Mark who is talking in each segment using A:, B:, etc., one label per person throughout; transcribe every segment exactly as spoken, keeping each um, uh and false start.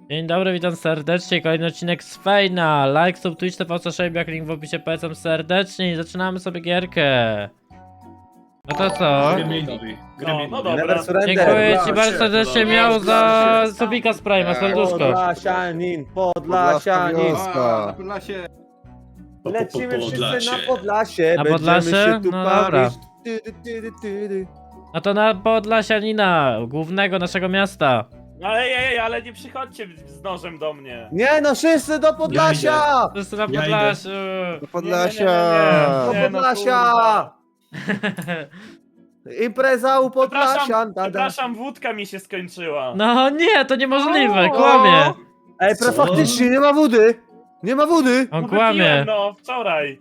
A: Dzień dobry, witam serdecznie, kolejny odcinek z Fejna. Like, sub, Twitch, T V, co Szejbiak, link w opisie, polecam serdecznie i zaczynamy sobie gierkę. No to co?
B: Gremlinowi.
C: No, no dobra.
D: Never surrender.
A: Dziękuję ci
B: Podlasie,
A: bardzo serdecznie,
B: podlasie.
A: miał za
C: Podlasie.
A: Sobika z Prima, serduszko.
D: Podlasianin, Podlasianin.
B: Podlaska.
C: A, na Podlasie.
D: Lecimy wszyscy
B: Podlasie.
D: na Podlasie.
A: Na
D: Będziemy
A: Podlasie?
D: się tu
A: No
D: bawić.
A: dobra.
D: Ty, ty, ty, ty, ty, ty.
A: No to na Podlasianina, głównego naszego miasta.
C: Ale ej, ej, ale nie przychodźcie z nożem do mnie.
D: Nie no, wszyscy do Podlasia!
A: Wszyscy na
B: Ja
A: Podlasiu.
B: Do
C: Nie,
B: Podlasia.
C: nie, nie, nie, nie.
D: Do
C: Nie, no
D: Podlasia! Impreza u Podlasia.
C: Przepraszam,
D: da, da.
C: przepraszam, wódka mi się skończyła.
A: No nie, to niemożliwe, kłamie.
D: Ej, pre, faktycznie nie ma wody. Nie ma wody.
A: On
C: No
A: kłamie.
C: wypiłem, no, wczoraj.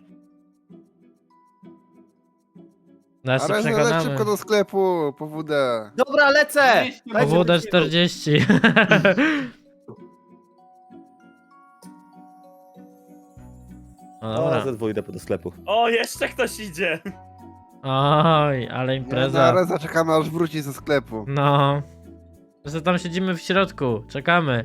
A: Zaraz się
B: Ale leć
A: przekonamy.
B: szybko do sklepu, po wódę.
D: Dobra, lecę.
A: O W D czterdzieści. No
D: Dobra,
A: dobra.
D: ze dwójkę do sklepu.
C: O, jeszcze ktoś idzie.
A: Oj, ale
B: Nie,
A: impreza.
B: zaraz zaczekamy aż wróci ze sklepu.
A: No. Że tam siedzimy w środku, czekamy.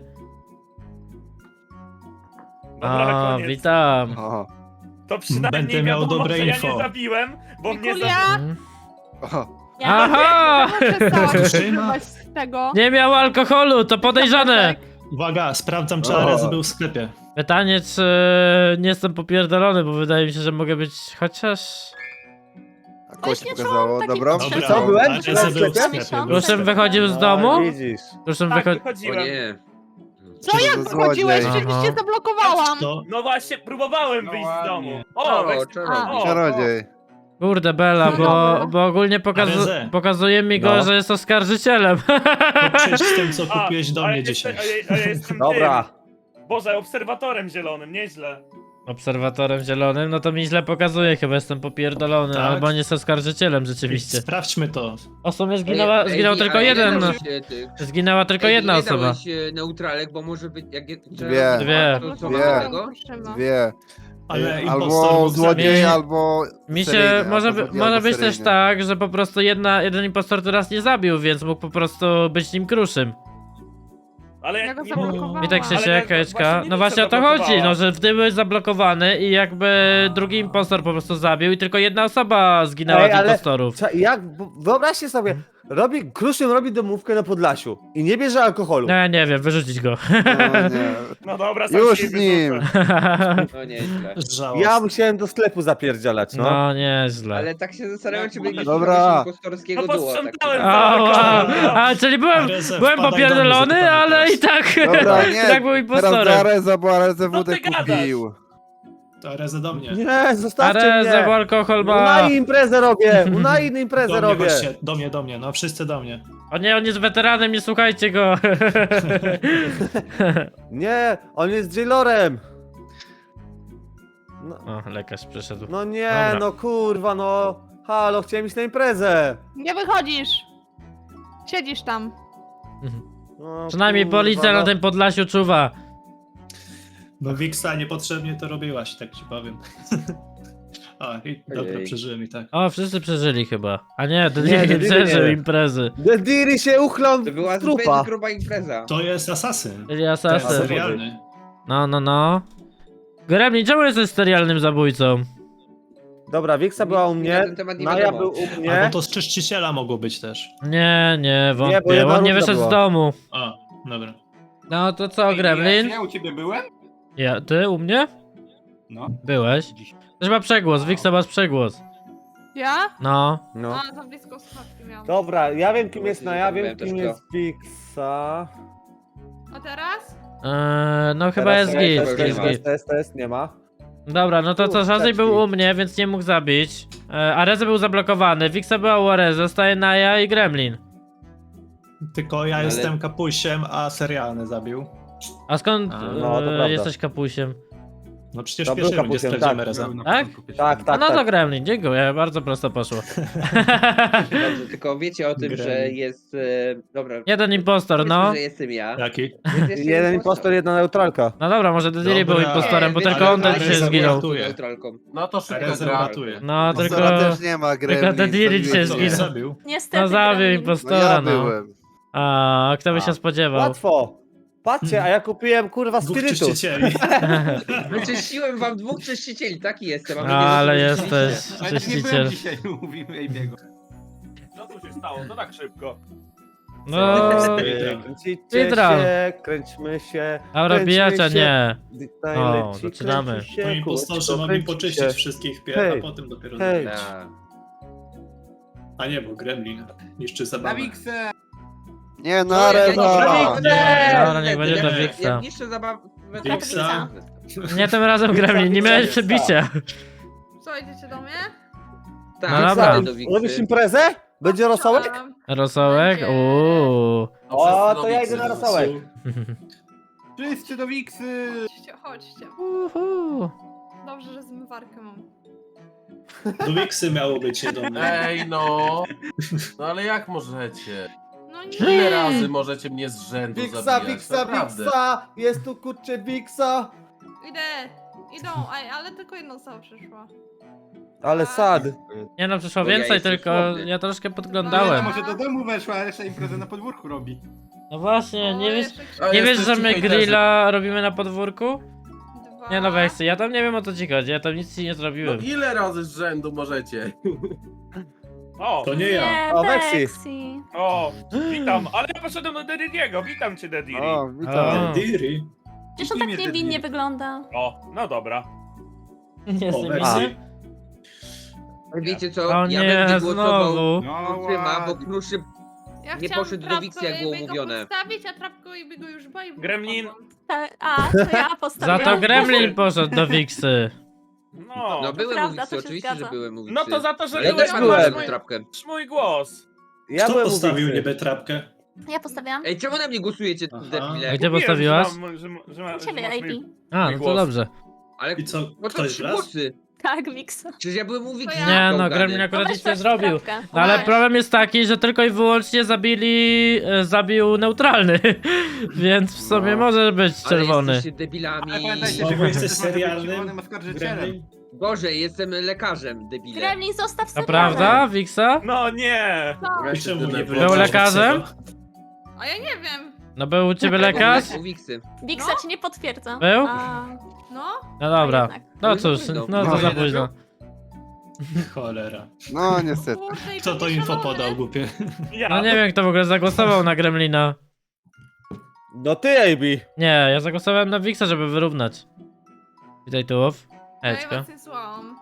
C: Dobra,
A: O,
C: koniec.
A: witam.
B: O,
C: To przynajmniej
E: Będę miał
C: wiadomo,
E: dobre
C: że ja
E: info.
C: nie zabiłem, bo mnie
F: Mikulia?
C: zabił.
A: Mm.
B: o.
A: Aha!
F: Przestałam
E: Trzyma.
F: używać z tego.
A: Nie miał alkoholu, to podejrzane.
E: Uwaga, sprawdzam czy
B: O.
E: Ares był w sklepie.
A: Pytanie, czy nie jestem popierdolony, bo wydaje mi się, że mogę być chociaż...
B: A koło ci
F: nie
B: pokazało,
F: czułam takich
B: dobra?
F: potrzeb.
D: Co, byłem?
E: Ares
D: Byłem w
E: był w
D: sklepie?
E: sklepie. był w
A: Proszę
E: sklepie.
A: wychodził z
D: No,
A: domu?
D: widzisz.
A: Proszę
C: Tak,
A: wychodził...
C: wychodziłem.
G: O nie.
F: Co, jak
B: To
F: wychodziłeś?
B: złodziej.
F: Przecież cię zablokowałam.
E: To
C: No właśnie, próbowałem wyjść z domu. O,
G: O,
C: weź...
G: czarodziej.
C: o,
B: Czarodziej.
A: Kurde, Bela,
F: No
A: bo,
F: dobra.
A: bo ogólnie pokazu
E: Areze.
A: pokazuje mi go,
B: No.
A: że jest oskarżycielem.
E: to przyjdź z tym co
C: A,
E: kupiłeś do
C: a ja
E: mnie
C: jestem-
E: dzisiaj.
C: A ja, a ja jestem
D: Dobra.
C: tym. Boże, obserwatorem zielonym, nieźle.
A: Obserwatorem zielonym, no to mi źle pokazuje, chyba jestem popierdolony,
E: Tak.
A: albo nie jest oskarżycielem rzeczywiście.
E: Sprawdźmy to.
A: O sumie zginęła,
G: Ej,
A: zginął
G: ej,
A: tylko
G: a
A: jeden.
G: ile dałeś, e, tych-
A: Zginęła tylko
G: ej,
A: jedna
G: ile
A: osoba.
G: dałeś, e, neutralek, bo może być jak... jak-
B: Dwie.
A: Dwie.
G: To co
B: Dwie.
G: mamy tego?
B: Dwie.
E: Ale
B: Albo
E: impostor mógł
B: złodziej,
A: Mi-
B: albo
A: Mi się,
B: seryjny,
A: może,
B: albo
A: by,
B: złodziej,
A: może
B: albo
A: być też
B: seryjny.
A: tak, że po prostu jedna, jeden impostor teraz nie zabił, więc mógł po prostu być nim kruszym.
C: Ale
F: Ja
C: jak
F: go
C: nie
F: zablokowałam.
A: I tak się
C: Ale
A: się
C: ja-
A: kajeczka.
C: właśnie nie
A: No
C: wiem,
A: właśnie
C: co
A: o to chodzi,
C: zablokowała.
A: no że ty byłeś zablokowany i jakby drugi impostor po prostu zabił i tylko jedna osoba zginęła
D: Ej,
A: z
D: ale-
A: impostorów.
D: Cza- Jak, bo- wyobraźcie sobie, robi, Kruszym robi domówkę na Podlasiu i nie bierze alkoholu.
A: No ja nie wiem, wyrzucić go.
B: No, nie.
C: No dobra, sam
B: Już
C: się
B: z nim.
C: wyrzucę.
G: No nieźle.
E: Żałosny.
D: Ja musiałem do sklepu zapierdzielać, no.
A: No nieźle.
G: Ale tak się zastanawiam, czy będzie
B: Dobra.
G: impostorskiego
C: No
G: duo. Tak.
C: posprzątałem
A: A,
C: całe
A: wow.
C: koło.
A: A, czyli byłem,
E: Areze,
A: byłem
E: wpadaj do
A: popierdolony,
E: mnie,
A: ale
E: zapytamy
A: i tak,
B: Dobra,
A: i
B: nie.
A: tak był
B: Teraz
A: impostorem.
B: do Areza, bo Areze
C: No
B: wódę
C: ty gadasz.
B: kupił.
E: To Areze do mnie.
D: Nie, zostawcie
A: Areze, bo
D: mnie.
A: alkohol ma...
D: Unai imprezę robię, Unai imprezę
E: Do mnie,
D: robię.
E: chodźcie, do mnie, do mnie, no wszyscy do mnie.
A: O nie, on jest weteranem, nie słuchajcie go.
D: Nie, on jest jailorem. No,
A: O, lekarz przyszedł.
D: no nie,
A: Dobra.
D: no kurwa, no. Halo, chciałem iść na imprezę.
F: Nie wychodzisz. Siedzisz tam.
D: No,
A: Przynajmniej
D: kurwa,
A: policja
D: no.
A: na tym Podlasiu czuwa.
E: No Wiksa niepotrzebnie to robiłaś, tak ci powiem. A, i dobra,
G: Ojej.
E: przeżyłem i tak.
A: O, wszyscy przeżyli chyba. A nie, to
D: Nie,
A: nie, nie
D: Dediri
A: przeżył
D: nie.
A: imprezy.
D: Dediri się uchlał
G: To była
D: w trupa.
G: zbyt gruba impreza.
E: To jest asasyn.
A: Czyli
E: To jest
A: asasyn.
E: serialny.
A: No, no, no. Gremlin, czemu jesteś serialnym zabójcą?
D: Dobra, Wiksa była u
G: Mi
D: mnie,
G: na ten temat nie
D: Maja
G: wiadomo.
D: był u
E: Albo
D: mnie.
E: to z czyściciela mogło być też.
A: Nie, nie,
D: bo
A: wątpię.
D: jedna
A: On nie
D: runda
A: wyszedł
D: była.
A: z domu.
E: A, dobra.
A: No to co, Gremlin?
C: Ja u ciebie byłem?
A: Ja, ty u mnie?
C: No.
A: Byłeś? Też ma przegłos, Wiksa masz przegłos.
F: Ja?
A: No.
D: No.
F: A, za blisko słuchawki miałam.
D: Dobra, ja wiem kim jest na, ja wiem
G: Byłem też
D: kim
G: to.
D: jest Wiksa.
F: A teraz?
A: Eee, no chyba
D: Teraz
A: jest
D: nie,
A: git,
D: teraz
G: nie
A: jest
G: ma.
A: git.
D: Test, test, test, nie ma.
A: Dobra, no to co, Shazzy
D: Kurczaki.
A: był u mnie, więc nie mógł zabić. E, Areze był zablokowany, Wiksa była u Areze, zostaje Naja i Gremlin.
E: Tylko ja
G: Ale-
E: jestem kapusiem, a serialny zabił.
A: A skąd
E: A,
D: no, to
A: e,
D: prawda.
A: jesteś kapusiem?
E: No przecież
D: To
E: w
D: był
E: pierwszej rundzie
D: kapusiem,
E: sprawdzimy
D: tak.
E: Reza.
A: Tak?
D: Tak,
A: A
D: tak,
A: no to
D: tak.
A: Gremlin, dziękuję, bardzo prosto poszło.
G: Dobrze, tylko wiecie o tym,
E: Gremlin.
G: że jest... E, dobra.
A: Jeden impostor,
G: powiedzmy,
A: no.
G: że jestem ja.
E: Jaki?
G: Jest jeszcze
D: Jeden impostor, jedna neutralka.
A: No dobra, może Dediri był
E: Dobra.
A: impostorem, bo
G: Nie,
A: tylko
G: ale-
A: on ten
G: ale
A: dzisiaj
E: Areza
A: zginął.
E: była-
G: Neutralką.
C: No to szybko
E: Areza
C: gra.
E: ratuje.
A: No tylko...
B: Impostora też nie ma, Gremlin.
A: Dediri
B: zabiłeś
A: się
B: mnie.
E: Co,
A: zginął.
E: zabił?
F: Niestety.
A: No zabił
F: Gremlin.
B: No
A: impostora,
B: ja
A: no.
B: byłem.
A: A kto by się
D: A.
A: spodziewał?
D: Łatwo. Patrzcie, a ja kupiłem kurwa
E: Dwóch
D: spirytus.
E: czyścicieli.
G: Wyczyściłem wam dwóch czyścicieli, taki jestem. a wy nie
A: Ale
G: zrozumieliście.
A: jesteś
H: Ale nie
A: czyściciel.
H: byłem dzisiaj, mówimy Ejbiego.
C: Co tu się stało? To tak szybko.
A: No,
D: Kręcicie
A: Hydral.
D: się, kręćmy się.
A: Aura
D: kręćmy
A: bijacia,
D: się.
A: nie.
D: Najleci,
A: O, zaczynamy.
D: kręci się,
E: No impostorzy
D: kółeczko,
E: mogli
D: kręci
E: poczyścić
D: się.
E: wszystkich pierw,
D: Hej.
E: a potem dopiero
D: Hej.
E: zabić.
G: Tak.
E: A nie, bo Gremlin niszczy
H: Na
E: zabawę.
H: Wiksę!
B: Nie,
G: No,
B: na
G: ja- ja
B: Reza!
G: niszczę-
A: Dobra, niech będzie
G: ja-
A: do
G: ja-
A: Wixa.
G: Ja niszczę zabawę.
E: Wixa.
A: Nie tym razem Gremlin, nie miałeś przebicia.
F: Co, idziecie do mnie?
G: Tak,
A: No dobra.
G: wsadzę do Wiksy.
D: Robisz imprezę? Będzie rosołek?
F: Chciałam.
A: Rosołek?
F: Będzie.
A: Uuu.
D: O, to ja idę na rosołek.
H: Wszyscy do Wiksy!
F: Chodźcie, chodźcie.
A: Uhu.
F: Dobrze, że zmywarkę mam.
E: Do Wiksy miało być, nie do mnie.
I: Ej no! No ale jak możecie?
F: No
I: Ile
F: nie!
I: razy możecie mnie z rzędu
D: Wiksa,
I: zabijać?
D: Wiksa,
I: Naprawdę.
D: Wiksa! Jest tu kurczę Wiksa!
F: Idę! Idą, Ej, ale tylko jedna osoba przyszła.
D: Ale sad.
A: Nie no, przyszło
G: Bo ja
A: więcej,
G: jestem
A: tylko
G: słodny.
A: ja troszkę
H: Ale
A: podglądałem.
H: może do domu weszła, a reszta imprezę na podwórku robi.
A: No właśnie, nie
F: O,
A: wiesz,
F: jeszcze
I: A
A: nie wiesz,
I: jesteście
A: że my
I: hejterzy.
A: grilla robimy na podwórku?
F: dwa.
A: Nie no, Weksy, ja tam nie wiem o co ci chodzi, ja tam nic ci nie
I: No
A: zrobiłem.
I: ile razy z rzędu możecie?
C: O,
E: To nie ja.
D: O, Weksy.
C: o, witam, ale ja poszedłem do Dediego, witam cię Dediri.
B: O,
A: O.
B: witam.
E: Diri.
J: Przecież on tak niewinnie wygląda.
C: O, no dobra.
A: Nie
E: O,
A: jestem
E: Weksy.
A: winny?
G: Wiecie co?
A: O
G: ja
A: nie,
G: bym głosował
A: znowu.
H: No
G: Kruszym, bo
H: ładnie.
G: Kruszy
F: Ja
G: Nie
F: chciałam
G: poszedł do
F: Trapko
G: Wiksy, jak było
F: Ebiego
G: mówione.
F: postawić, a Trapko i go już boi.
C: Gremlin.
J: Tak, a, to ja
A: Za
J: postawiłam.
A: to Gremlin poszedł do Wiksy.
C: No,
G: No byłem
J: prawda,
G: u Wiksy,
J: to się
G: oczywiście,
J: zgadza.
G: że byłem u Wiksy.
C: no to za to, że
G: Ale ja
C: byłem,
G: też
C: masz
D: byłem.
C: mój,
G: trapkę.
C: masz mój głos.
D: Ja
E: Kto
D: byłem u
E: postawił
D: Wiksy.
E: niby trapkę?
J: Ja postawiłam.
G: Ej, czemu na mnie głosujecie,
E: Aha.
A: A
G: debile?
A: gdzie
C: Mówiłem,
A: postawiłaś?
C: Że, mam, że, że, ma- że
J: Ciebie,
C: masz
J: A P.
C: mój...
A: A,
C: mój
A: no to
C: głos.
A: dobrze.
G: Ale
E: I co,
G: po co
E: ktoś
G: trzy
E: wlazł?
G: głosy?
J: Tak, Wiksa.
G: Przecież ja byłem u Wiksy.
F: ja.
A: Nie no,
G: Gałgany.
A: Gremlin akurat
J: No
A: nic
J: weź
A: nie
J: weź
A: zrobił.
J: trapkę.
A: No ale
J: Weź.
A: problem jest taki, że tylko i wyłącznie zabili, e, zabił neutralny, więc w sumie
B: No.
A: może być
G: Ale
A: czerwony.
G: jesteście debilami.
H: Ale pamiętajcie,
E: Znowu
H: że
E: jesteś
H: ktoś może być
E: serialnym
H: czerwonym oskarżycielem.
E: Gremlin?
G: Gorzej, jestem lekarzem, debile.
J: Gremlin, zostaw
A: A
J: serial.
A: prawda, Wiksa?
C: No nie!
G: Ja
E: I
G: się
E: czemu nie
G: zdenerwowałem.
E: wyleczyłeś
A: lekarzem?
E: Wiksego?
F: A ja nie wiem.
A: No był u ciebie lekarz?
G: U Wiksy.
J: Wiksa ci nie potwierdza.
A: Był?
J: A,
F: No?
A: No dobra.
J: a jednak.
A: No
G: No
A: cóż,
G: późno.
A: no to
B: No,
A: za
B: nie
A: późno.
E: Cholera.
B: No niestety.
F: Kurde, i
E: Kto to
F: takie
E: info
F: szalone.
E: podał, głupie?
C: Ja.
A: No nie wiem kto w ogóle zagłosował na Gremlina.
D: No ty, A B.
A: Nie, ja zagłosowałem na Wiksa, żeby wyrównać. Witaj tułów.
F: No ja
A: Hejczko.
F: was nie słuchałam.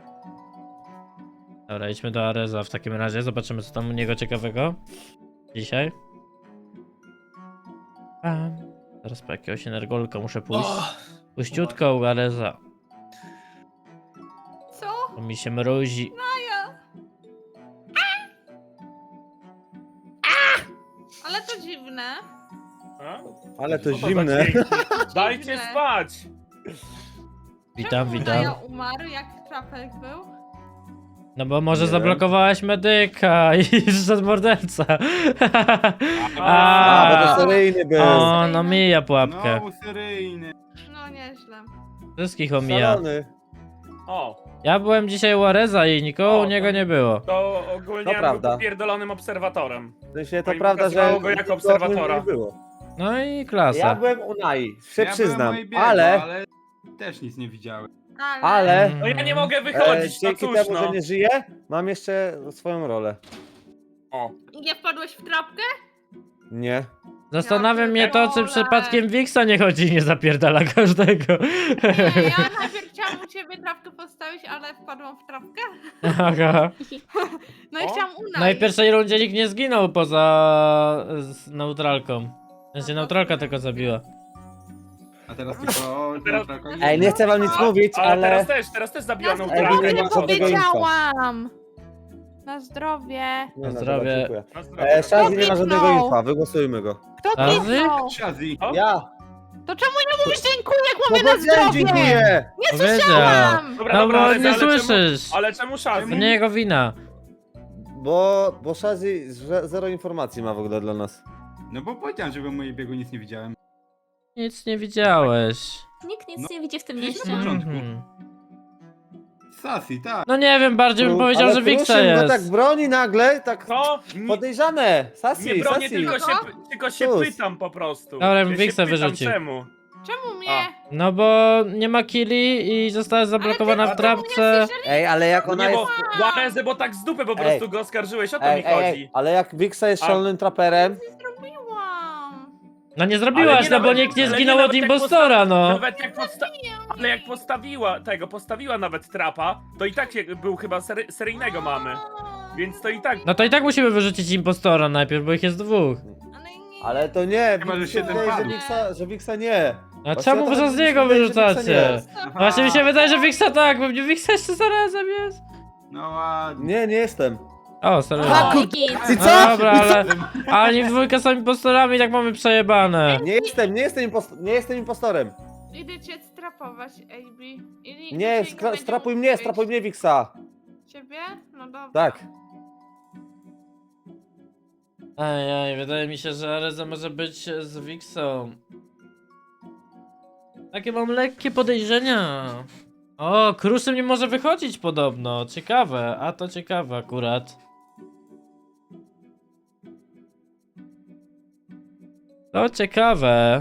A: Dobra, idźmy do Areza w takim razie, zobaczymy co tam u niego ciekawego. Dzisiaj. Pam. Teraz po jakiegoś energolka muszę pójść.
E: O,
A: Puściutko u Areza,
F: Co?
A: bo mi się mrozi.
F: Maja! Ale to dziwne.
C: A?
D: Ale to
C: Co za
D: zimne.
C: dźwięki? Dajcie
F: Dziwne.
C: spać!
A: Witam,
F: Czemu
A: witam.
F: Maja umarł, jak Trapek był?
A: No bo może
D: Nie wiem.
A: zablokowałaś medyka i szedł morderca.
D: A, bo to
A: A,
D: seryjny był.
A: o, no mija pułapkę.
H: No, seryjny.
F: No nieźle.
A: Wszystkich omija.
D: Szalony.
C: O,
A: Ja byłem dzisiaj u Areza i nikogo
C: O,
A: u niego
C: to-
A: nie było.
C: to ogólnie
D: To
C: ja
D: prawda.
C: był pierdolonym obserwatorem.
D: W sensie to
C: No i
D: prawda, że
C: pokazywało go jako
D: nikogo o tym
C: obserwatora.
D: nie było.
A: No i
D: Ja
A: klasa.
D: byłem u Nai, się
H: Ja
D: przyznam,
H: byłem u Ejbiego,
D: ale,
H: ale też nic nie widziałem.
F: Ale...
D: ale
C: No ja nie mogę
D: e,
C: wychodzić, no
D: dzięki
C: cóż
D: temu,
C: no.
D: że nie żyję, mam jeszcze swoją rolę.
C: O.
F: Nie wpadłeś w trapkę?
D: Nie.
A: Zastanawia mnie to, czy
F: pierdolę.
A: przypadkiem Wiksa nie chodzi i nie zapierdala każdego.
F: Nie, ja najpierw chciałam u ciebie trapkę postawić, ale wpadłam w trapkę.
A: Aha.
F: No i
C: O.
F: chciałam u
A: No i w
F: Nai.
A: pierwszej rundzie nikt nie zginął poza z neutralką. W sensie neutralka tylko zabiła.
H: A teraz tylko...
C: Teraz-
D: Ej, nie chcę wam nic mówić,
C: Ale
D: ale...
C: teraz też, teraz też
F: Na
C: zabijano
D: Ej,
F: zdrowie
D: nie
F: nie
D: ma żadnego
F: powiedziałam! Na zdrowie.
D: Nie, no,
A: zdrowie.
D: dobra, dziękuję.
C: Na zdrowie.
D: E, Shazzy nie ma
F: Kliknął.
D: żadnego infa, wygłosujmy go.
F: Kto
A: Shazzy?
F: kliknął?
H: Shazzy.
C: O.
D: Ja!
F: To czemu nie mówisz dziękuję, jak
D: No
F: mówię na
D: powiedziałem
F: zdrowie?
D: dziękuję!
F: Nie
A: Powiedział.
F: słyszałam!
C: Dobra,
A: No
C: dobra,
A: bo
C: ale,
A: nie
C: ale czemu,
A: słyszysz.
C: ale czemu Shazzy?
A: To nie jego wina.
D: Bo, bo Shazzy ze- zero informacji ma w ogóle dla nas.
H: No bo powiedziałem, że byłem u Ejbiego, nic nie widziałem.
A: Nic nie widziałeś.
J: Nikt nic
H: No,
J: nie widzi w tym
H: przecież
J: mieście.
H: na początku.
A: Mhm.
H: Sasi, tak.
A: No nie wiem, bardziej bym
D: Kru-
A: powiedział,
D: ale
A: że Wixa
D: Kruszym go
A: jest.
D: tak broni nagle, tak
C: To nie,
D: podejrzane. Sasi,
C: nie bronię,
D: Sasi.
C: tylko się, tylko się
D: Sus.
C: pytam po prostu.
A: Dobra,
C: ja
A: bym
C: się
A: Wixa
C: pytam,
A: wyrzucił.
C: czemu?
F: Czemu mnie?
C: A.
A: No bo nie ma killi i została zablokowana w
F: Ale ty
A: trapce.
D: Ej, ale jak
C: No
D: ona
C: nie,
D: jest...
C: bo Juarezę, bo tak z dupy po
D: Ej.
C: prostu go oskarżyłeś, o to
D: Ej,
C: mi
D: ej,
C: chodzi.
D: ej, ale jak Wixa jest
C: A-
D: szalonym traperem,
F: Nie zrobiłam.
A: No nie
C: Ale
A: zrobiłaś,
C: nie
A: no bo
C: nawet-
A: nikt nie
C: ale nie
A: zginął
C: nawet
A: od
C: jak
A: impostora, no.
C: Nawet jak posta ale jak postawiła tego, postawiła nawet trapa, to i tak się, był chyba sery seryjnego mamy. Więc to i tak.
A: No to i tak musimy wyrzucić impostora najpierw, bo ich jest dwóch.
F: Ale nie.
D: ale to nie,
H: Chyba, że
D: mi się
H: siedem
D: wydaje, że
H: padł.
D: Wixa, że Wixa nie.
A: A
D: Właśnie
A: czemu
D: o to
A: wy
D: chodzi,
A: z
D: mi się
A: niego
D: wydaje, że Wixa nie
A: wyrzucacie?
D: jest.
A: Właśnie mi się wydaje, że Wixa tak, pewnie Wixa jeszcze zarazem jest.
H: No ładnie.
D: Nie, nie jestem.
A: O, serio.
D: A,
J: O,
D: kur-
J: git.
D: I
A: No
D: co?
A: dobra, ale, ale oni w dwójkę są impostorami i tak mamy przejebane.
D: Nie jestem, nie jestem, impost nie jestem impostorem.
F: Idę cię strapować, A B. I,
D: Nie,
F: dzisiaj
D: skra-
F: będzie
D: strapuj
F: mógł
D: mnie,
F: wyjść.
D: strapuj mnie Wixa.
F: Ciebie? No dobra.
D: Tak.
A: Ej, ej, wydaje mi się, że Areza może być z Wixą. Takie mam lekkie podejrzenia. O, Kruszym nie może wychodzić podobno. Ciekawe, a to ciekawe akurat. To ciekawe.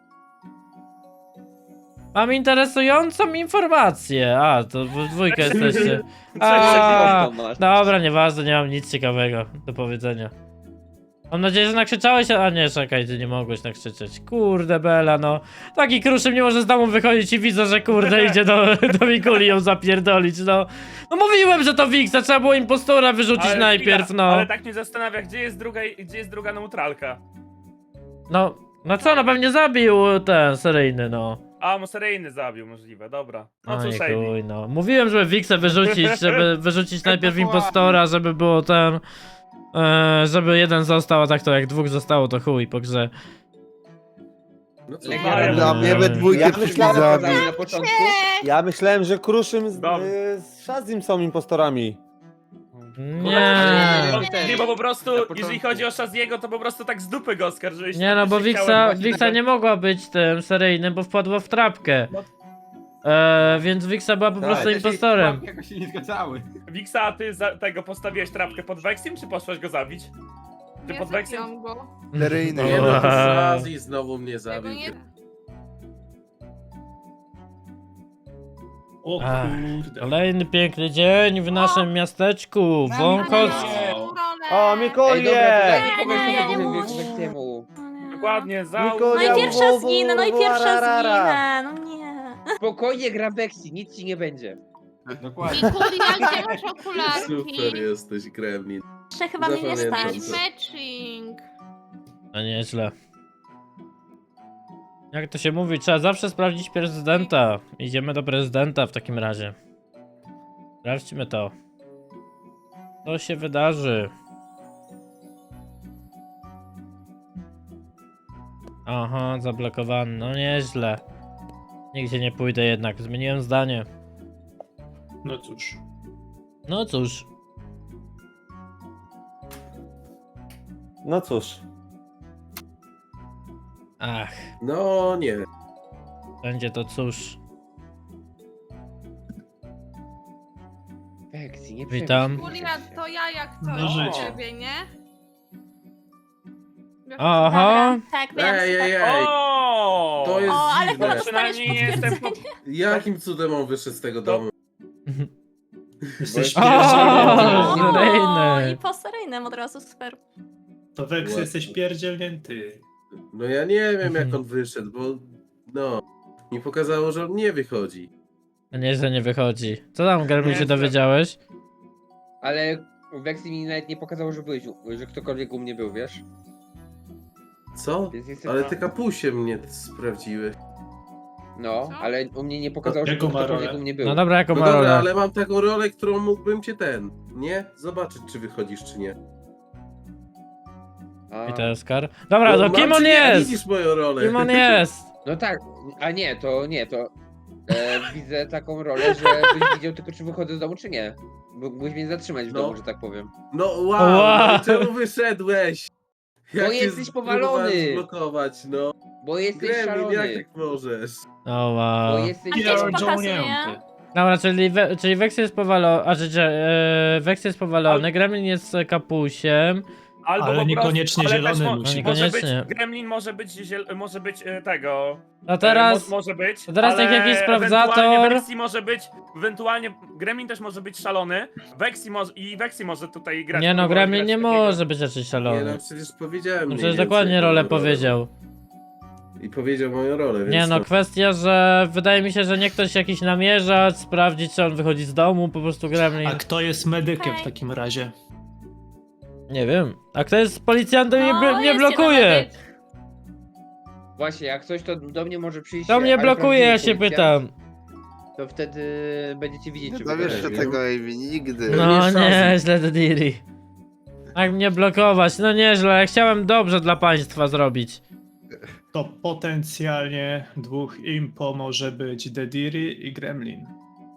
A: Mam interesującą informację. A, to w dwójkę jesteście. A, dobra, nieważne, nie mam nic ciekawego do powiedzenia. Mam nadzieję, że nakrzyczałeś, a nie, czekaj, ty nie mogłeś nakrzyczeć. Kurde Bela, no. Taki Kruszym nie może z domu wychodzić i widzę, że kurde idzie do, do Mikuli ją zapierdolić, no. No mówiłem, że to Wixa, trzeba było impostora wyrzucić
C: Ale
A: najpierw,
C: chwila,
A: no.
C: Ale tak mnie zastanawia, gdzie jest druga, gdzie jest druga neutralka.
A: No, no co, no pewnie zabił ten seryjny, no.
C: A, mu seryjny zabił, możliwe, dobra. No
A: Oj,
C: cóż, Amy.
A: chuj, no. Mówiłem, żeby Wixę wyrzucić, żeby wyrzucić najpierw impostora, żeby było ten... E, żeby jeden został, a tak to jak dwóch zostało, to chuj po grze.
G: No co,
F: Legia.
G: Maria,
B: Dla mnie we dwójkę
D: Ja
B: przyszli
D: myślałem,
B: zabić.
G: pokazali na początku.
D: Ja myślałem, że Kruszym z,
C: Dobra.
D: y, z Shazim są impostorami.
A: Nie.
C: Nie, nie, bo po prostu,
H: Na początku.
C: jeżeli chodzi o Shaziego, to po prostu tak z dupy go oskarżyłeś.
A: Nie no, bo
C: Faktycznie
A: Wixa,
C: chciałem-
A: Wixa nie mogła być tym seryjnym, bo wpadła w trapkę.
C: No.
A: E, więc Wixa była po
D: Tak.
A: prostu
H: Ale te się-
A: impostorem.
H: łapki jakoś się nie zgadzały.
C: Wixa, a ty za tego postawiłeś trapkę pod Vexim, czy poszłaś go zabić? Ty
F: Nie
C: pod Vexim?
F: zabiłam go.
B: Seryjny.
I: Nie no, to
A: Wow.
I: Shazzy znowu mnie
F: Tego
I: zabił.
F: nie...
E: O
A: Ach,
E: kurde.
A: Kolejny piękny dzień w naszym miasteczku, Wąchocz.
E: Wow.
D: O,
G: Ej,
D: Mikolie!
G: dobra,
J: Nie,
G: to
J: nie, ja nie
G: daj
J: muszę.
G: Weksiemu.
C: Dokładnie, za...
D: Niko-
J: No i
D: Ja-
J: pierwsza
D: wo- wo-
J: zginę, no i
D: wo-
J: pierwsza
D: rarara.
J: zginę, no nie.
G: Spokojnie gra Beksi, nic ci nie będzie.
H: Dokładnie.
F: Mikulia, gdzie masz okularki?
I: Super jesteś, Gremlin.
J: Jeszcze chyba mnie nie
I: Zapamiętam
J: stać.
I: to.
F: Matching.
A: No nieźle. Jak to się mówi, trzeba zawsze sprawdzić prezydenta. Idziemy do prezydenta w takim razie. Sprawdźmy to. Co się wydarzy? Aha, zablokowany. No nieźle. Nigdzie nie pójdę jednak. Zmieniłem zdanie.
E: No cóż.
A: No cóż.
D: No cóż.
A: Ach,
I: No nie.
A: będzie to cóż.
G: Beksi, nie
A: Witam.
F: Mikulia, to ja jak to
E: No
F: no,
E: życie.
F: ciebie, nie? Wiesz,
A: Aha.
J: Dobra, tak, wiem.
I: Ej, ej,
J: tak.
I: ej.
C: O!
I: To jest
J: O, ale
I: dziwne.
J: chyba dostaniesz
C: Przynajmniej jestem po...
J: potwierdzenie.
I: Jakim cudem on wyszedł z tego domu?
E: Jesteś
G: O,
E: pierdzielnięty.
J: O,
A: seryjny.
J: i po seryjnym od razu, super.
E: To Wex jesteś pierdzielnięty.
I: No ja nie wiem jak on wyszedł, bo no. Mi pokazało, że on nie wychodzi.
A: No nie, że nie wychodzi. Co tam, Garmin,
C: Nie,
A: się
C: że-
A: dowiedziałeś?
G: Ale Weksi mi nawet nie pokazało, że byłeś, u- że ktokolwiek u mnie był, wiesz?
I: Co?
G: Więc jestem...
I: Ale ty kapusie mnie sprawdziły.
G: No,
F: Co?
G: ale u mnie nie pokazało, że
E: Jaką ma
G: ktokolwiek
E: rolę?
G: u mnie był.
A: No dobra, jaką
I: No
A: ma
I: dobra,
A: rolę?
I: ale mam taką rolę, którą mógłbym cię ten, nie? Zobaczyć czy wychodzisz czy nie.
G: A,
A: I to jest kar. Dobra,
I: No,
A: to
I: mam
A: kim
I: czy
A: on
I: nie?
A: jest?
I: Widzisz moją rolę.
A: Kim on jest?
G: No tak, a nie, to nie, to e, widzę taką rolę, że byś widział tylko czy wychodzę z domu, czy nie. Bo mógłbyś mnie zatrzymać w
I: No.
G: domu, że tak powiem.
I: No wow,
A: Wow.
I: no, czemu wyszedłeś?
G: Bo
I: cię
G: jesteś
I: spróbowałem
G: powalony.
I: zblokować, no.
G: Bo jesteś
I: Gremlin,
G: szalony.
I: jak tak możesz?
A: O
G: Bo
A: wow.
G: jesteś
J: A gdzie ci
G: szalony.
J: pokazuje?
E: Pierdzielnięty.
A: Dobra, czyli, we, czyli Vex jest powalony, a że e, Vex jest powalony, Gremlin jest kapusiem.
C: Albo
E: Ale
C: po prostu-
E: niekoniecznie
C: ale
E: zielony
C: też mo-
E: musi
C: Może być,
A: Niekoniecznie.
C: Gremlin może być, ziel, może być e, tego...
A: No
C: e,
A: teraz,
C: mo, może być,
A: teraz
C: ale
A: jak jakiś
C: ewentualnie
A: sprawdzator-
C: Vexi może być, ewentualnie Gremlin też może być szalony, Vexi może, i Vexi może tutaj grać.
A: nie no,
C: próbować
A: Gremlin
C: grać
A: nie
C: takiego.
A: może być raczej
I: Nie
A: szalony.
I: no, przecież powiedziałem
A: No
I: mniej
A: przecież
I: więcej
A: dokładnie
I: jaką
A: rolę
I: rolę.
A: powiedział.
I: I powiedział moją rolę, więc
A: Nie no,
I: to-
A: kwestia, że wydaje mi się, że nie ktoś jakiś namierzacz, sprawdzić czy on wychodzi z domu, po prostu Gremlin.
E: A kto jest medykiem w
J: Okej.
E: takim razie?
A: Nie wiem. A kto jest policjantem i
J: No,
A: bl- nie
J: jest
A: blokuje?
J: jeden medyk.
G: Właśnie, jak coś, to do mnie może przyjść.
A: To mnie
G: ale
A: blokuje, ja
G: prawdziwy
A: się
G: policjant,
A: pytam.
G: To wtedy będziecie widzieć,
B: Nie
G: czy
B: dowiesz się
G: wychodzi.
B: tego, Amy, nigdy.
A: No
I: nie
A: nie, źle Dediri. Jak mnie blokować? No nieźle, ja chciałem dobrze dla państwa zrobić.
E: To potencjalnie dwóch impo może być Dediri i Gremlin.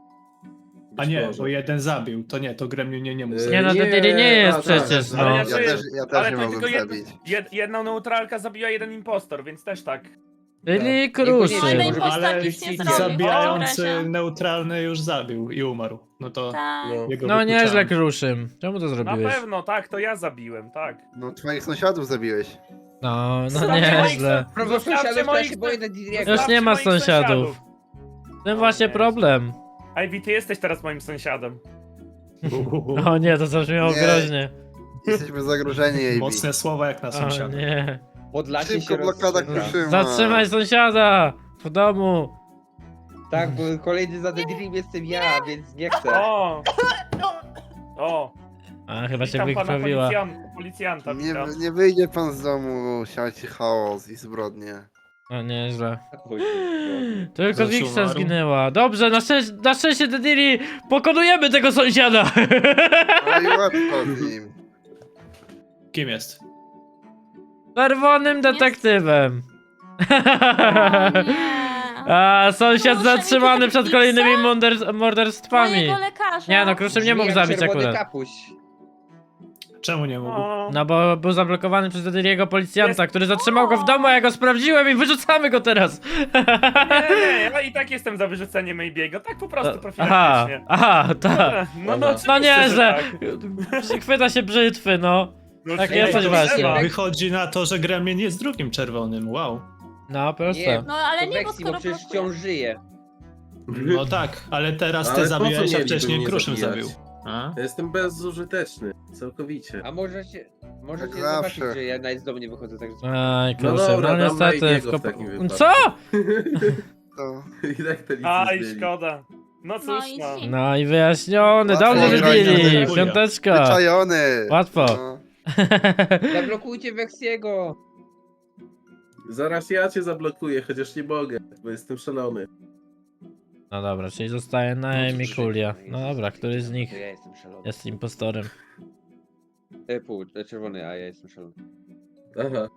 E: A
I: Być
E: nie,
I: może.
E: bo jeden zabił. To nie, to Gremlin nie, nie mógł
I: Nie,
A: Nie no,
E: zabić.
A: Dediri nie jest
I: a, tak,
A: przecież,
I: tak,
A: no.
C: Ale
B: Ja
C: Znaczy,
B: też, ja
C: ale
B: też nie
C: to
B: mogłem
C: tylko jed,
B: zabić.
C: jed, jedną neutralkę zabija jeden impostor, więc też tak.
A: Dediri
J: No,
A: kruszy.
J: ale
G: Może
J: impostor
E: Ale
J: nic nie
G: i
J: zrobił. w takim
E: zabijający
J: razie.
E: neutralny już zabił i umarł. No to
J: Tak.
I: No.
E: jego
A: No
E: wykluczamy.
A: nieźle kruszym. Czemu to
C: Na
A: zrobiłeś?
C: pewno, tak, to ja zabiłem, tak.
B: No twoich sąsiadów zabiłeś.
A: No, no
C: Zostawcie moich
A: nieźle.
C: sąsiadów,
G: Prawo
C: zostawcie
G: sąsiadów, to ja
C: moich
G: się boję Dediriego.
A: Już
C: zostawcie
A: nie ma
C: moich
A: sąsiadów. W tym właśnie
C: nie.
A: problem.
C: Ivy, ty jesteś teraz moim sąsiadem.
A: O nie, to zabrzmiało
B: Nie.
A: groźnie.
B: Jesteśmy zagrożeni, Amy.
E: Mocne słowa jak na
A: O
E: sąsiada.
A: nie.
G: Podlasie
B: Szybko
G: się
B: blokada
G: rozstrzela.
B: kruszyma.
A: Zatrzymaj sąsiada! W domu!
G: Tak, bo kolejny za Dedirim jestem ja, więc nie chcę.
C: O! O!
A: A, chyba się
C: Witam pana
A: wykrwawiła.
C: policjan, policjanta,
B: Nie,
C: witam.
B: nie wyjdzie pan z domu, siać chaos i zbrodnie.
A: O, nieźle.
G: Oj,
A: Tylko
E: Zresztą
A: Wixa
E: umarł.
A: zginęła. Dobrze, na, szczęście, na szczęście Dediri pokonujemy tego sąsiada!
B: No i łatwo z nim.
E: Kim jest?
A: Czerwonym detektywem.
J: O nie.
A: A, sąsiad
J: Proszę,
A: zatrzymany
J: wiecie,
A: przed
J: Wixa?
A: kolejnymi morder- morderstwami.
J: Mojego lekarza.
A: Nie no, Kruszym nie mógł
G: jak
A: zabić
G: czerwony
A: akurat.
G: kapuś.
E: Czemu nie mógł?
C: O,
A: No bo był zablokowany przez Dediriego policjanta,
C: Jest-
A: który zatrzymał go w domu, a ja go sprawdziłem i wyrzucamy go teraz.
C: nie, nie, ja i tak jestem za wyrzuceniem Maybiego, tak po prostu
A: Aha,
C: profilaktycznie.
A: aha, tak.
C: No, no,
G: No
C: oczywiście,
A: nieźle.
C: że tak.
A: Chwyta się brzytwy, no.
C: No,
A: Tak
C: nie,
A: jesteś
C: to
A: właśnie.
C: trzeba.
E: Wychodzi na to, że Gremlin jest drugim czerwonym. Wow.
A: No, proste.
G: Nie.
J: No ale
G: To
J: nie, bo
G: Vexi, bo
J: skoro
G: przecież
J: blokuje.
G: wciąż żyje.
E: No tak, ale teraz ty
I: Ale po co
E: zabiłeś, a
I: mieliby
E: wcześniej
I: mnie
E: Kruszym
I: zabijać?
E: zabił. A?
I: Ja jestem bezużyteczny, całkowicie.
G: A możecie, możecie
B: Jak
G: zobaczyć,
B: zawsze.
G: że ja nawet z domu nie wychodzę, także...
A: Aj,
I: No
A: kurczę, no,
I: dobra, dam
A: niestety.
I: Maybiego w
A: wkop-
I: takim wypadku.
A: Co?
B: To...
I: I tak to nic nie
C: Aj,
I: zmieni.
C: szkoda. No cóż,
J: No i
C: no.
J: zim.
A: No i wyjaśniony,
B: Łatwo
A: dobrze
B: grać na
A: wybili,
E: zero.
A: piąteczka.
B: Wyczajony!
A: Łatwo.
B: No.
G: Zablokujcie Vexiego!
I: Zaraz ja cię zablokuję, chociaż nie mogę, bo jestem szalony.
A: No dobra, czyli zostaje na Amy Kulia. No dobra, który z nich
G: To ja jestem szalony.
A: jest impostorem?
G: E, pół, e, czerwony, a ja jestem szalony.
I: Aha.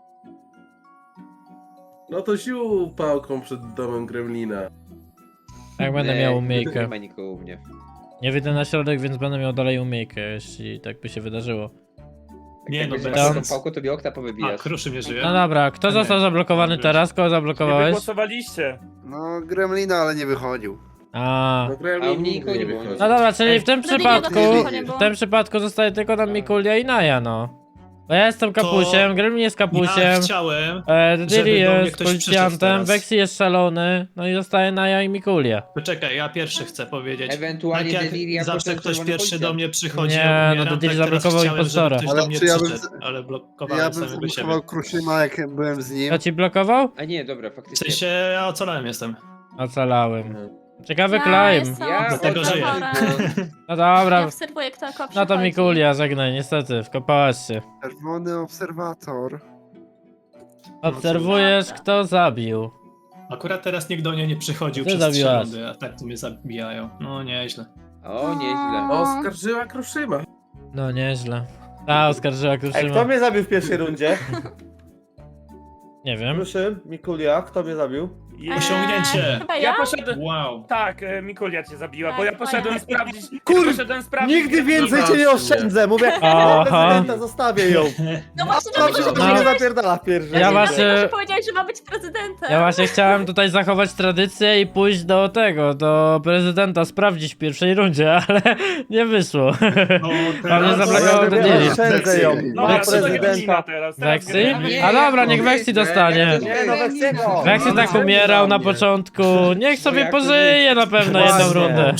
I: No to sił pałką przed domem Gremlina.
A: Jak będę
G: Nie,
A: miał
G: Nie
A: umiejkę.
G: ma nikogo u mnie.
A: Nie wyjdę na środek, więc będę miał dalej umiejkę, jeśli tak by się wydarzyło.
E: Nie
G: Jak
E: no,
G: będziesz
E: bez
G: miał
A: sensu.
G: tą pałką, to mi okna
E: A,
G: powybijasz.
E: Kruszym nie żyje?
A: No dobra, kto
E: Nie.
A: został zablokowany
E: Wiesz.
A: teraz? Kogo
C: Nie
A: zablokowałeś?
C: wygłosowaliście.
B: No, Gremlina, ale nie wychodził.
A: A.
I: No
G: A
I: Gremlin
G: u mnie
I: nigdy
G: nikogo
I: nie
G: nie było.
I: wychodzi.
A: No dobra, czyli w tym
J: Wtedy
A: przypadku,
J: nie do końca nie
A: w tym przypadku zostaje tylko nam Mikulia i Naja, no. Bo ja jestem kapusiem, Gremlin jest
E: Ja
A: kapusiem,
E: chciałem...
A: e,
E: żeby
A: Dediri
E: do mnie
A: jest
E: ktoś przyszedł
A: policjantem,
E: teraz.
A: Vexi jest szalony, no i zostaje Naja i Mikulia.
E: Poczekaj, ja pierwszy chcę powiedzieć.
G: Ewentualnie
E: Tak jak
G: Dediri jako
E: zawsze
G: ten
E: ktoś
G: czerwony
E: pierwszy
G: policjant.
E: do mnie przychodzi,
A: Nie,
E: ja
A: no
E: umieram,
A: Dediri
E: tak teraz
A: zablokował
E: chciałem, żeby
A: impostora.
E: ktoś
B: Ale
E: do mnie
B: czy ja bym
E: przyszedł,
B: z-
E: ale blokowałem
B: Ja bym
E: samego siebie.
B: zablokował Kruszyma, jak byłem z nim.
A: Kto ci blokował?
G: A nie, dobra,
E: W
G: faktycznie.
E: sensie ja ocalałem jestem.
A: Ocalałem. Ciekawy
J: Ja
A: climb.
J: jestem
G: Ja
E: Dlatego żyję.
J: obserwatorem.
A: No
J: Ja
A: dobra,
J: obserwuję, kto jako
A: no to
J: przychodzi.
A: Mikulia, żegnaj, niestety, wkopałaś się.
B: Czerwony obserwator.
A: Obserwujesz, kto zabił.
E: Akurat teraz nikt do mnie nie przychodził
A: Ty
E: przez trzy
A: zabiłaś.
E: rundy, a tak to mnie zabijają. No nieźle.
G: O, nieźle.
I: Oskarżyła Kruszyma.
A: No nieźle. Ta oskarżyła
D: Ej, kto
A: Kruszyma.
D: mnie zabił w pierwszej rundzie?
A: Nie wiem.
D: Kruszym, Mikulia, kto mnie zabił?
C: Je-
E: Osiągnięcie.
J: Chyba
C: Ja
J: ja?
C: poszedłem...
E: Wow.
C: Tak, e, Mikulia cię zabiła,
J: Tak,
C: bo ja
J: fajnie.
C: poszedłem sprawdzić...
D: Kur-
C: ja poszedłem sprawdzić...
D: Nigdy więcej cię nie
I: Zobaczcie.
D: oszczędzę, mówię,
A: Aha.
D: prezydenta zostawię ją.
J: No właśnie,
D: Dobrze,
J: dlatego,
D: że
J: że
D: to nie
A: No.
D: zapierdala w pierwszy.
A: Ja
J: ja
A: właśnie-
J: dlatego, że powiedziałeś, że ma być prezydentem.
A: Ja właśnie chciałem tutaj zachować tradycję i pójść do tego, do prezydenta, sprawdzić w pierwszej rundzie, ale nie wyszło.
E: No,
A: Ale
E: teraz...
A: zablokował
D: Ja
A: do
D: mówię,
A: Diri.
D: oszczędzę ją.
C: No,
D: Mam
C: ja to Gremlina
D: prezydenta.
C: teraz. teraz
A: Weksy?
C: Gremlina.
A: A dobra, niech Weksy dostanie.
D: Nie no, Weksiego.
A: Weksy tak umierał na początku, niech sobie
G: jak to
A: pożyje na pewno jedną
D: Właśnie.
A: rundę.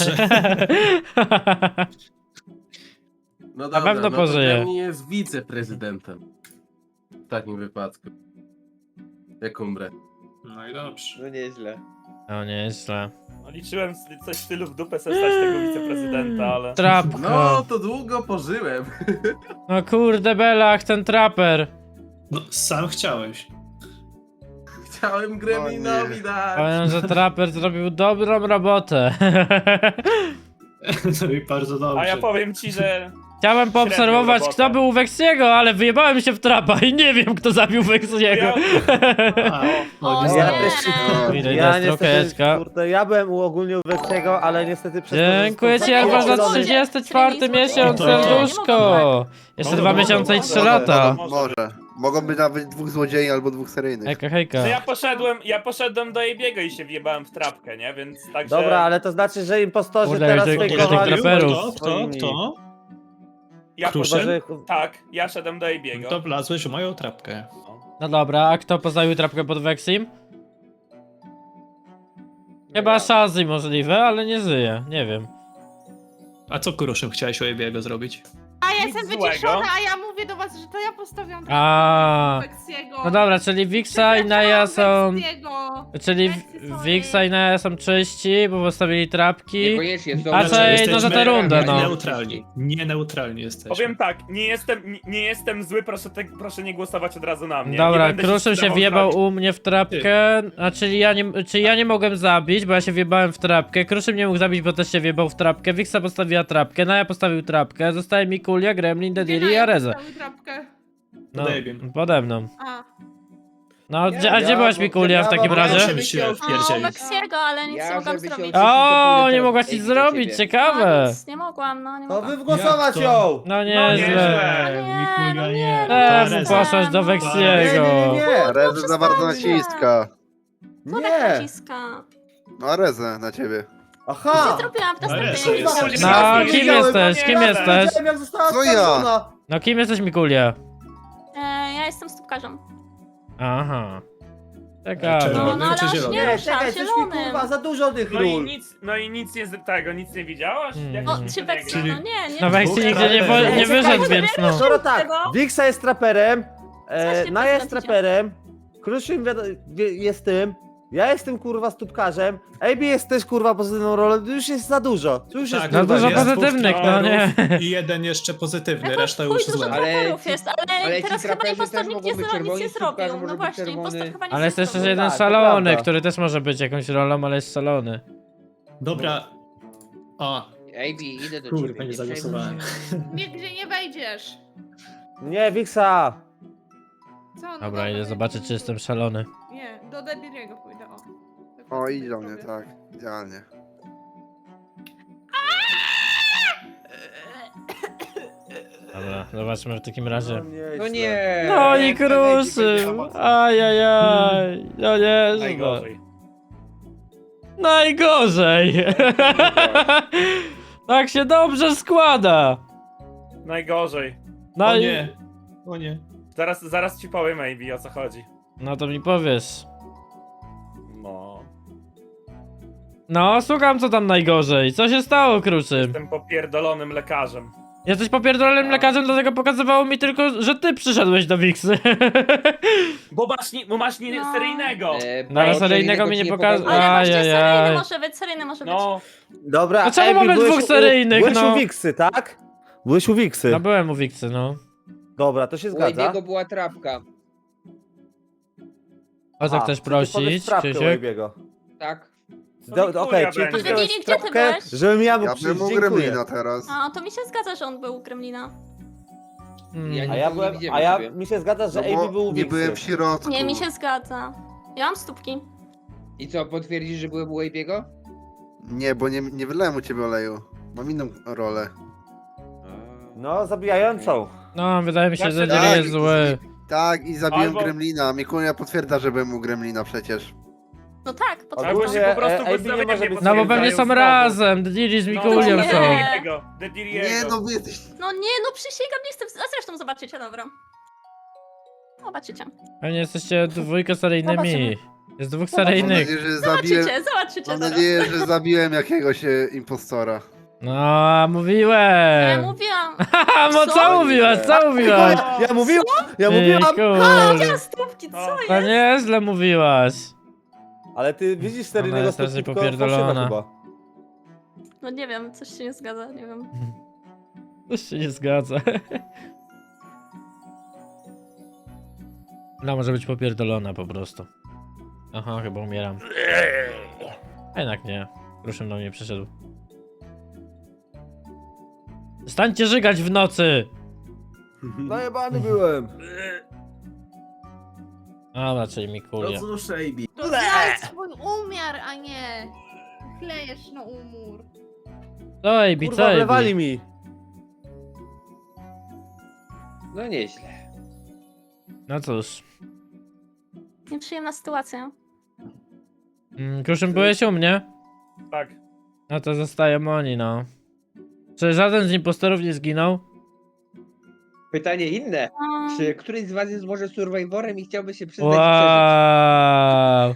I: No dobra,
A: pewno
I: no
A: pożyje.
I: to Gremlin jest wiceprezydentem. W takim wypadku. Jak umrę.
E: No i dobrze.
G: No nieźle.
A: No nieźle.
C: No, liczyłem s- coś w stylu w dupę se stać tego wiceprezydenta, ale...
I: No,
A: Trapko.
I: to długo pożyłem.
A: No kurde Belach, ten traper.
E: No, sam chciałeś.
I: Chciałem Gremlinowi
B: nie.
I: dać.
A: Powiem, że traper zrobił dobrą robotę.
E: No i bardzo dobrze.
C: A ja powiem ci, że...
A: Chciałem poobserwować,
C: robotę.
A: kto był u Weksiego, ale wyjebałem się w trapa i nie wiem, kto zabił Weksiego.
C: Ja...
E: A, no,
J: O,
E: nie.
D: Ja
J: nie.
D: też
A: Widać
D: Ja
A: na
D: niestety,
A: strokeczka.
D: kurde, ja byłem u ogólnie u Weksiego, ale niestety przez to, że
A: Dziękuję ci
D: został
A: Alba za
D: podzielony-
A: trzydziesty czwarty miesiąc,
E: O, to-
A: serduszko. Jeszcze
E: No,
A: dwa
E: no,
A: miesiące i
E: no,
A: trzy
E: no,
A: lata.
C: no,
B: Może. Mogą być nawet dwóch złodziei albo dwóch seryjnych.
A: Hejka, hejka.
C: No ja poszedłem, ja poszedłem do Ebiego i się wjebałem w trapkę, nie? Więc także...
D: Dobra, ale to znaczy, że impostorzy
A: Kurde,
D: teraz
A: jak tych-
E: Kto,
A: tych
D: fejkowali
A: traperów.
E: kto, kto,
D: swoimi.
E: kto?
C: Ja
E: Kruszyn?
C: poszedłem...
D: Chyba, że-
C: Tak, ja szedłem do Ebiego.
E: To wlazłeś w moją trapkę.
A: No dobra, a kto postawił trapkę pod Weksim? Chyba Shazzy możliwe, ale nie żyje, nie wiem.
E: A co Kuruszym chciałeś u Ebiego zrobić?
F: A ja
C: Nic
F: jestem
C: złego.
F: wyciszona, a ja mówię do was, że to ja postawiam
A: A.
F: Weksiego.
A: No dobra, czyli Wixa i Naja są...
F: Weksiego.
A: Czyli
F: Weksy, sorry.
A: Wixa i Naja są czyści, bo postawili trapki.
G: Niekoniecznie są...
A: A co,
E: Znaczy,
A: ej, no za tę rundę, no.
E: Neutralni. Nie neutralni jesteśmy.
C: Powiem tak, nie jestem, nie, nie jestem zły, proszę, te, proszę nie głosować od razu na mnie. Nie
A: Dobra,
C: będę
A: Kruszym się
C: zdawał
A: wjebał
C: zrobić.
A: u mnie w trapkę, a czyli ja nie, czyli ja nie mogłem zabić, bo ja się wjebałem w trapkę, Kruszym nie mógł zabić, bo też się wjebał w trapkę, Wixa postawiła trapkę, Naja postawił trapkę, zostaje Mikulia, Gremlin, Dediri i Areza.
F: Postawił trapkę.
A: No,
E: Pod Abim.
A: pode mną.
F: A.
A: No, gdzie- a gdzie
D: ja-
A: byłaś
D: bo-
A: Mikulia w
D: ja
A: takim
D: mam-
A: razie?
E: Żeby się
J: O,
E: wpierdzielić.
J: Weksiego, ale nic
G: Ja,
J: nie mogłam
G: żeby się
J: zrobić.
G: odwrócić, to
A: O,
G: pójdę
A: nie
G: do
A: mogłaś nic
G: Ejbi do
A: zrobić,
G: ciebie.
J: No,
A: ciekawe.
J: nic nie mogłam, no nie
D: To
J: mogłam.
D: wy wgłosować
E: Jak to?
D: ją!
A: No
C: No
A: nieźle.
C: nieźle.
J: Nie,
A: Mikulia,
J: no
A: nie.
J: nie, no
A: Temu
J: nie.
A: poszłaś do
D: Nie,
A: Weksiego.
D: nie, nie, nie!
B: Rezy za bardzo naciska.
J: Co tak
D: Nie!
J: naciska?
B: No a Rezę na ciebie.
D: Aha!
J: Co zrobiłam w
E: Ale
J: następnej
E: jest-
J: rundzie?
A: No,
C: Nie
A: kim
C: wiedziałem,
A: jesteś,
C: nie
A: kim
C: jadę.
A: jesteś?
D: Widziałem, jak została
B: Co ja?
D: oskarżona.
A: No kim jesteś Mikulia?
J: E, ja jestem stópkarzem.
A: Aha.
J: No,
A: Ciekawe.
J: no ale
E: czy
J: aż
E: zielony?
J: nie
D: Nie,
J: ruszam,
D: czekaj, coś mi
J: zielonym.
D: kurwa, za dużo tych
C: No i
D: ról.
C: nic, no i nic nie z tego, nic nie widziałaś?
A: Mm.
C: Jak
J: O,
C: to
J: czy
C: się
J: Weksi,
C: gra?
J: no nie, nie.
A: No Weksi
E: Dwóch
A: nigdzie nie, po,
E: traperów.
A: nie wyszedł, więc no.
D: Skoro tak, Wixa jest traperem,
J: Co
D: e,
J: się
D: Naja jest
J: prezentacie?
D: traperem, Kruszym wiado- wie- jest tym, ja jestem kurwa stópkarzem, A B jest też kurwa pozytywną rolą, to już jest za dużo. To już
E: Tak,
D: jest
A: No
D: kurwa,
A: dużo
D: nie?
E: jest
A: pozytywnych,
E: dwóch
A: no nie.
E: traperów I jeden jeszcze pozytywny,
J: Jakoś
E: reszta
J: chuj
E: już
J: dużo
E: złe.
G: Ale
J: traperów
G: ci-
J: jest, ale,
G: ale ci
J: teraz chyba
G: traperzy
J: impostor
G: też
J: nic
G: mogą
J: nie,
G: być
J: zro- nic
G: czerwoni,
J: nie
G: stópkarze
J: zrobił.
G: może
J: No
G: być
J: właśnie,
G: czerwony.
J: impostor chyba nic
A: Ale
J: nie
A: jest jeszcze
J: zrobił.
A: jeden
D: tak, to
A: szalony,
D: prawda.
A: który też może być jakąś rolą, ale jest szalony.
E: Dobra. O,
G: Ejbi, idę do
E: Kurde,
G: ciebie.
E: nie
G: przejmuj
E: zagłosowałem.
G: się.
F: Nigdzie nie wejdziesz.
D: Nie, Wixa!
F: Co? No
A: Dobra, idę
F: nie
A: zobaczyć,
F: wiem.
A: czy jestem szalony.
F: Nie, do Dediriego pójdę, o. Tak
B: O,
F: sobie
B: idź do mnie,
F: powiem.
B: tak. Idealnie.
A: Dobra, zobaczmy w takim razie.
G: No nie.
A: No i
C: nie, to będzie
A: Kruszym!
C: mocno.
A: Ajajaj! No nie,
C: Najgorzej.
A: Najgorzej! Tak się dobrze składa!
C: Najgorzej.
A: No
E: o
A: i...
E: nie. O nie.
C: Zaraz, zaraz ci powiem, Ejbi, o co chodzi.
A: No to mi powiesz.
C: No.
A: No, słucham co tam najgorzej. Co się stało, Kruszym?
C: Jestem popierdolonym lekarzem.
A: Jesteś popierdolonym lekarzem, dlatego pokazywało mi tylko, że ty przyszedłeś do Wiksy.
C: Bo masz, nie, bo masz nie
J: No.
C: seryjnego.
G: E,
A: No, ale
G: bo
A: seryjnego mi
G: ci
A: nie pokazał.
G: pokazał.
J: Ale właśnie
A: Ajajaj.
J: seryjny może być, seryjny może być.
C: No,
D: Dobra,
A: No czemu
D: Ejbi,
A: mamy
D: byłeś
A: dwóch
D: u-
A: seryjnych,
D: Byłeś
A: no?
D: u Wiksy, tak? Byłeś u Wiksy.
A: No byłem u Wiksy, no.
D: Dobra, to się
G: U
D: zgadza.
G: Ejbiego była trapka.
A: O co
D: A,
A: chcesz
D: czy ty powiesz
A: prosić,
D: trapkę u
A: Krzysiek?
D: Ejbiego?
G: Tak.
C: To
D: Do-
C: Mikulia
D: Okej, czyli ty
C: będzie.
D: wziąłeś
J: Dediri, gdzie ty
D: trapkę,
J: byłeś?
D: żebym ja mógł
B: Ja
D: przyjść,
B: bym u
D: dziękuję.
B: Gremlina teraz.
J: A, to mi się zgadza, że on był u Gremlina.
A: Mm.
G: Ja
D: A
G: nie-
D: ja
G: nie
D: byłem,
G: widziałem
D: a ja,
G: ciebie.
D: mi się zgadza, że
B: No
D: Ejbi
B: bo
D: był u
B: nie
D: Wiksy.
B: byłem w środku.
J: Nie, mi się zgadza. Ja mam stópki.
G: I co, potwierdzisz, że byłem u Wabiego?
B: Nie, bo nie, nie wylałem u ciebie oleju. Mam inną rolę.
D: No, zabijającą.
A: No, wydaje mi się, że
C: Tak,
A: nie jest zły.
B: Tak, i zabiłem
C: Albo-
B: Gremlina. Mikulia potwierdza, że byłem u Gremlina przecież.
J: No tak,
C: Albo
J: potwierdzam.
C: się po prostu
D: e, A B nie
C: podstawienie
D: może być-
A: No bo pewnie są
C: znowu.
A: razem, Diddy z
C: No,
A: Mikulią
J: nie.
A: są.
C: Dediriego, Dediriego.
B: Nie, no wy jesteś...
J: No nie, no przysięgam, nie chcę. A zresztą zobaczycie, dobra. Zobaczycie.
A: Pewnie jesteście dwójkę seryjnymi.
J: Zobaczymy.
A: Jest dwóch
B: Mam
A: seryjnych.
B: nadzieję, że zabiłem...
J: Zobaczycie, zobaczycie
B: Mam
J: zaraz.
B: nadzieję, że zabiłem jakiegoś e, impostora.
A: No,
J: Ja
A: mówiłem.
J: mówiłam.
A: Haha, no co
J: Co?
A: mówiłaś, co mówiłaś?
D: Ja mówiłam, ja
A: Ty,
D: mówiłam.
A: kurde.
J: Stópki,
C: No.
J: co
A: To
J: jest?
A: nieźle mówiłaś.
D: Ale ty widzisz
A: Ona
D: seryjnego
A: jest strasznie
D: stopnika
A: popierdolona.
D: chyba.
J: No nie wiem, coś się nie zgadza, nie wiem.
A: To się nie zgadza. No, może być popierdolona po prostu. Aha, chyba umieram. A jednak nie. Kruszym do mnie przyszedł. Stańcie żygać w nocy!
D: Najebany byłem.
A: A, raczej
I: No
A: Mikulia.
I: cóż, A B.
F: To znajdź swój umiar, a nie klejesz na umór.
A: Co, ej,
D: Kurwa,
A: bicej?
D: wlewali mi.
G: No nieźle.
A: No cóż.
J: Nieprzyjemna sytuacja.
A: Mm, Kruszym, byłeś u mnie?
C: Tak.
A: No to zostaje Moni, no. Czy żaden z impostorów nie zginął?
G: Pytanie inne.
J: Um,
G: Czy któryś z was jest może survivorem i chciałby się przyznać i przeżyć?
A: Wow.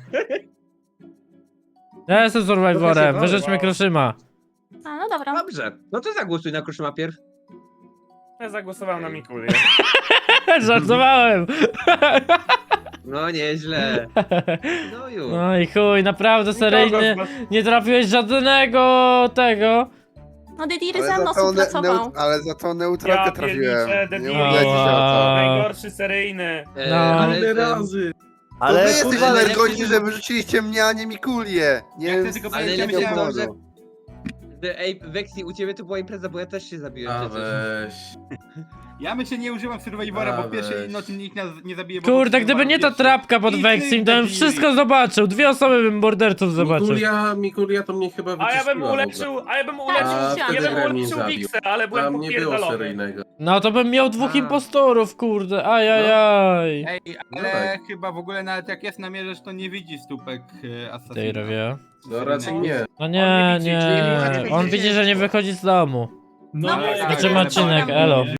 A: Ja jestem survivorem,
G: Wow.
A: wyrzućmy Kruszyma.
J: a, no dobra.
G: Dobrze, no to zagłosuj na Kruszyma pierw.
C: Ja zagłosowałem na Mikulię.
A: Żartowałem.
G: No nieźle. No już.
A: No i chuj, naprawdę seryjnie nie trafiłeś żadnego tego.
J: No Dediri
B: Ale
J: ze mną
B: za tą ne-
J: współpracował.
B: neut- ale za tą neutralkę
C: Ja
B: trafiłem.
C: pierniczę,
B: Nie
C: Dediri.
B: mówię się o to.
C: Najgorszy seryjny.
G: E,
A: No.
G: ale,
I: Ile
G: em,
I: razy?
B: To
D: Ale
B: wy jesteście
D: kurwa, ale
B: nergości, że wyrzuciliście mnie, a nie Mikulię. Nie
H: Ja chcę
B: wiem,
H: tylko
B: z
G: ale
H: powiedzieć,
B: jakiego
G: ja myślałem,
B: powodu.
G: że- że- Ej, Vexi, u ciebie to była impreza, bo ja też się zabiłem
I: A
G: przecież.
I: weź.
H: Ja myślę, nie używam Survivora, bo
I: A,
H: w pierwszej
I: weź.
H: nocy nikt nas nie zabije. bo
A: Kurde,
H: potrzebowałem
A: gdyby nie ta
H: pierwszy.
A: trapka pod
H: I
A: Vexim, to bym
H: Dediri.
A: wszystko zobaczył. Dwie osoby bym morderców zobaczył.
I: Mikulia, Mikulia to mnie chyba
C: A
I: wyczyściła
C: ja bym
I: w ogóle.
C: uleczył, a ja bym
J: Tak,
C: uleczył,
I: A
J: wtedy
C: ja bym
I: Gremlin
C: uleczył
I: zabił.
C: Wixę, ale byłem
I: Tam nie było
C: popierdolony.
I: seryjnego.
A: No to bym miał dwóch
G: A.
A: impostorów, kurde. Ajajaj.
H: Ej,
I: No
H: ale
I: tak.
H: chyba w ogóle nawet jak jest namierzysz, to nie widzi stópek e,
A: Tej
H: Assassina.
A: robię.
I: No raczej nie.
A: No nie,
C: widzi,
A: nie.
C: czyli nie
A: On widzi, że nie wychodzi z domu.
F: No,
H: ale-
A: Zobaczymy
H: ale-
A: odcinek,
H: ale-
A: elo.